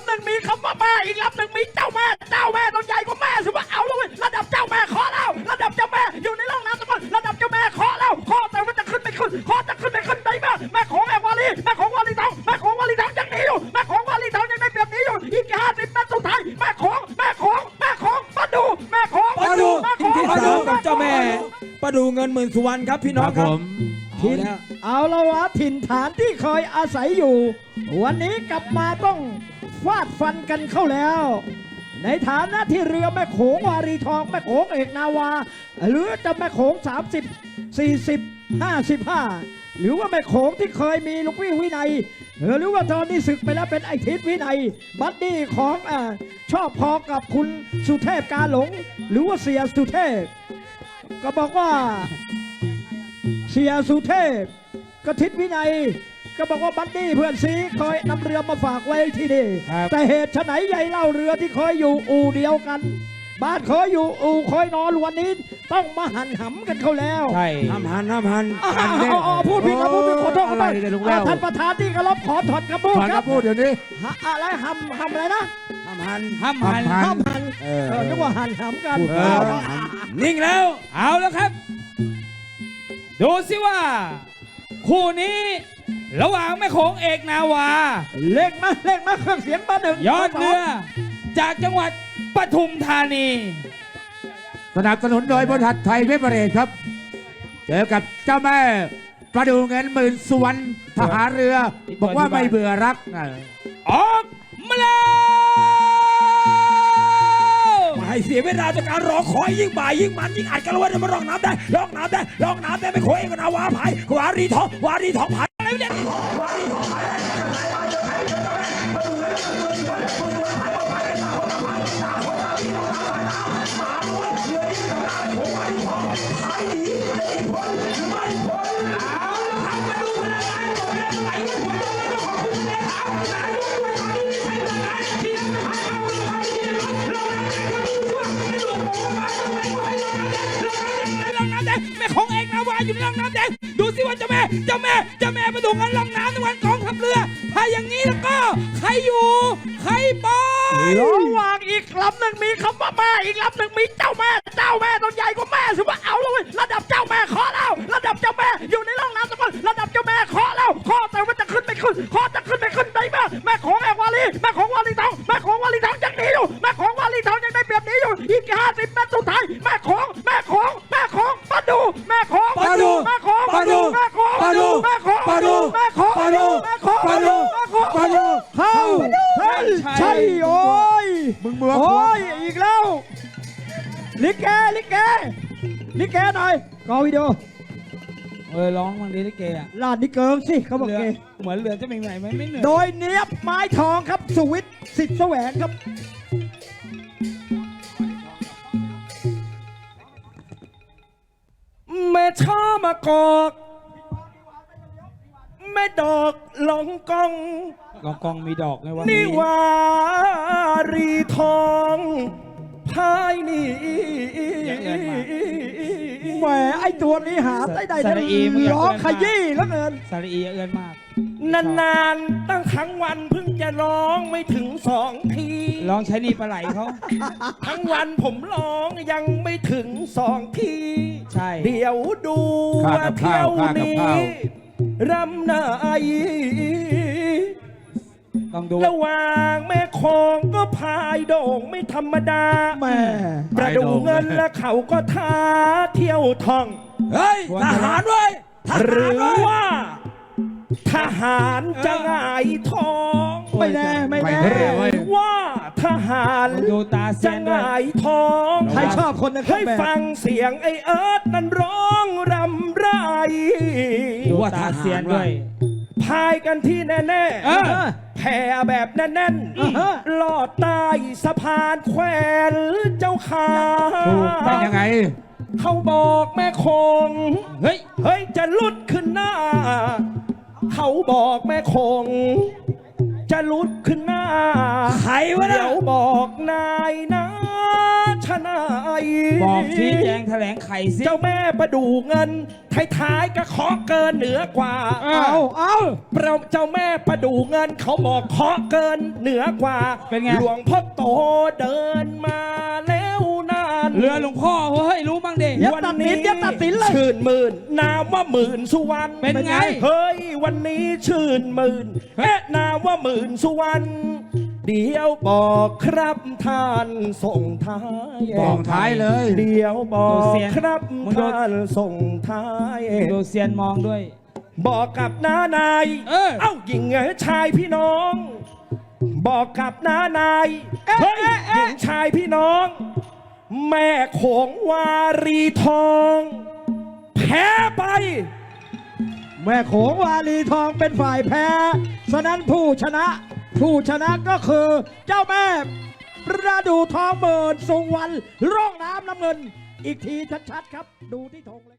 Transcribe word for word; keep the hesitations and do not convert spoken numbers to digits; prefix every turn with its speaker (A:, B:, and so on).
A: ำหนึ่งมีคำว่าแม่อีกลำหนึ่งมีเจ้าแม่เจ้าแม่ต้องใหญ่กว่าแม่สิว่าเอาเลยระดับเจ้าแม่ขอแล้วระดับเจ้าแม่อยู่ในร่องน้ำตะกอนระดับเจ้าแม่ขอแล้วขอแต่ว่าจะขึ้นไม่ขึ้นขอจะขึ้นไม่ขึ้นได้แม่แม่ของแม่วาลีแม่ของวาลีทองแม่ของวาลีทองยังหนีอยู่แม่ของวาลีทองยังได้เปรียบหนีอยู่อีกห้าสิบเมตรสุดท้ายแม่ของแม่ของแม่ของมาดูแม่ของ
B: มาดู
A: แม่ของ
B: ที่สามกับเจ้าแม่ประดูเงินหมื่นสุวรรณครับพี่น้องครับ
A: ถิ่นเอาละวะถิ่นฐานที่เคยอาศัยอยู่วันนี้กลับมาต้องฟาดฟันกันเข้าแล้วในฐานะที่เรือแม่โขงวารีทองแม่โขงเอกนาวาหรือจะแม่โขงสามสิบ สี่สิบ ห้าสิบห้าหรือว่าแม่โขงที่เคยมีลูกพี่วินัยหรือว่าตอนนี้ศึกไปแล้วเป็นไอทิศวินัยบัดดี้ของอ่าชอบพอกับคุณสุเทพกาหลงหรือว่าเสียสุเทพก็บอกว่าเสียสุเทพกทิศวินัยก็บอกว่าบัดดี้เพื่อนซีคอยนำเรือมาฝากไว้ที่นี่แต่เหตุไฉนใหญ่เล่าเรือที่คอยอยู่อู่เดียวกันบ้านเคยอยู่อู่คอยนอนวันนี้ต้องมาหันหำกันเขาแล้ว
B: ใช่
C: ห้ามหันห้ามหัน
A: อ๋ออ๋อพูดผิดแล้วพูดผิดขอโทษขอโทษท่านประธานที่เคารพขอถอนคำพูด
C: ถอน
A: ครับ
C: คำพูดเดี๋ยวนี้
A: ฮะอะไรหำหำอะไรนะ
C: ห้ามหัน
B: ห้ามหัน
A: หำหัน
C: เอ
A: เอ
C: อ
A: อนึกว่าหันหำกัน
C: พูด
B: เอ
C: ไป
B: อนิ่งแล้วเอาแล้วครับ ดูสิว่า คู่นี้ระหว่างแม่โขงเอกนาวา
A: เล่งมาเล่งมาเครื่องเสียงเบอร์หนึ่ง
B: ยอดเรือ จากจังหวัดปทุมธานี
C: สนับสนุนโดยบริษัทไทยเวเบอเรจครับ เจอกับเจ้าแม่ประดูเงินหมื่นสุวรรณทหารเรือ บอกว่าไม่เบื่อรักนะ
B: ออกมาแล้วมาให้เสียเวลาจากการรอคอยยิ่งบ่ายยิ่งมันยิ่งอัดกันแล้วว่าจะมาร้องน้ำได้ร้องน้ำได้ร้องน้ำได้ไม่โขยกันนาวาภายวารีทองวารีทองภายอะไรเนี่ยแม่ของเอกนาวาอยู่ในร่องน้ำแดงดูสิว่าเจ้าแม่เจ้าแม่เจ้าแม่ประดูเงินร่องน้ำในวันกองทัพเรือถ้าอย่างนี้แล้วก็ใครอยู่ใครไประ
A: หว่างอีกลำหนึ่งมีคำว่าแม่อีกลำหนึ่งมีเจ้าแม่เจ้าแม่ต้องใหญ่กว่าแม่สิว่าเอาเลยระดับเจ้าแม่ขอแล้วระดับเจ้าแม่อยู่ในร่องน้ำตะกอนระดับเจ้าแม่ขอแล้วขอแต่ว่าจะขึ้นไม่ขึ้นขอจะขึ้นไม่ขึ้นได้แม่แม่ของแม่วาลีแม่ของวาลีทองแม่ของวาลีทองยังหนีอยู่แม่ของวาลีทองยังได้เปรียบหนีอยู่อีกห้าสิบเมตรสุดท้ายแม่ของแม่ของแม่ของมาดูแม่ของ
C: มาดู
A: แม่ของ
C: มาดู
A: แม่ของ
C: มาดู
A: แม่ของ
C: มาดู
A: แม่ของ
C: มาดู
A: แม่ของ
C: มาดู
A: แม่ของ
C: มาดู
A: เข้าเฮ้ยใช่โอ้ย
C: มึงเบื่อ
A: โอ้ยอีกแล้วลิเกลิเกลิเกหน่อยกอวิดีโอ
B: เออร้องบางทีลิเกอะ
A: ลาดนิเกิงสิเขาบอก
B: เรือ
A: เก
B: เหมือนเรือจะเป็นไงไหมไม่เหนื่อย
A: โดยเนียบไม้ทองครับสวิตสิทธิ์แสวงครับแม่ช้ามากอกแม่ดอกหลงกอง
B: กองกองมีดอกไงวะ
A: นิวารีทองพายนี่แหมไอตัวนี้หาได้ได้ร้องขยี้แล้วเงิน
B: สารีเอื้อนมาก
A: นานๆตั้งทั้งวันเพิ่งจะร้องไม่ถึงสองที
B: ร้องใช้นี่ปลาไหลเขา
A: ทั้งวันผมร้องยังไม่ถึงสองที
B: ใช่
A: เดี๋ยวดู
C: ค่า
A: ว่า
C: กับ
A: เที่
C: ข้า
A: ยว ว
C: ค่ากับ
A: นี้
C: ข้าว
A: รำไหน
B: ต้องดู
A: ระหว่างแม่คองก็พายโด่งไม่ธรรมดาแม่ประดูเงินและเขาก็ท้าเที่ยวท่อง
B: เฮ้ยทหารเว้ยท
A: ห
B: หาร
A: รือ
B: เว้ย
A: ว่า ทหารจะหงายท้อง ไม่แน่ไม่แน่
C: ไม่แน่
A: หรือว่าทหาร
B: ต้องดูตาเซี
A: จะ
B: ยน
A: ห
B: ด้วย
A: งายท้อง
C: ใครชอบคนนั้น
A: ให้ฟังเสียงไอเอิร์ธนั้นร้องรำไร
B: ดูตาเซียนด้วย
A: พายกันที่แน่
B: เออ
A: ๆแผ่แบบแน่นๆลอดใต้สะพานแขวนเจ้าขา
C: เป็นยังไง
A: เขาบอกแม่คง
B: เฮ้ย
A: เฮ้ยจะลุดขึ้นหน้า เขาบอกแม่คง จะลุดขึ้นหน้า
B: ใครวะน่ะ
A: เดี๋ยวบอกนายนะชนาย
B: บอกชี้แจงแถลงไขสิ
D: เจ้าแม่ประดูเงินท้ายๆก็ขอเกินเหนือกว่า
B: เอ
A: เอาเอา
D: เราเจ้าแม่ประดูเงินเขาบอกขอเกินเหนือกว่า
B: เป็นไง
D: หลวงพ่อโตเดินมาแล้วนาน
B: เรือหลวงพ่อเฮ้ยรู้บ้างดิ
A: อย่าตัดสินอย่าตัดสินเลย
D: ชื่นหมื่นนามว่าหมื่นสุวรรณ
B: เป็นไง
D: เฮ้ยวันนี้ชื่นหมื่นเอ๊ะนามว่าหมื่นสุวรรณเดี๋ยวบอกครับท่านส่งท้าย
C: บอกท้ายเลย
D: เดี๋ยวบอ
B: ดู
D: ก
B: เสียง
D: ครับ
B: มึงดู
D: ท่านส่งท้าย
B: ดูเซียนมองด้วย
D: บอกกับน้านาย
B: เออ
D: เอ้าหญิงชายพี่น้อง บอกกับน้านาย
A: เอ๊ะ
D: เฮ้ย
A: เอ๊ะ
D: ห
A: เอ๊ะ
D: ญิงชายพี่น้อง แม่โขงวารีทอง แพ้ไป
A: แม่โขงวาลีทองเป็นฝ่ายแพ้ฉะนั้นผู้ชนะ ผู้ชนะก็คือเจ้าแม่ประดูทองเบิร์นสุวรรณร่องน้ำน้ำเงิน อีกทีชัดๆครับ ดูที่ธงเลย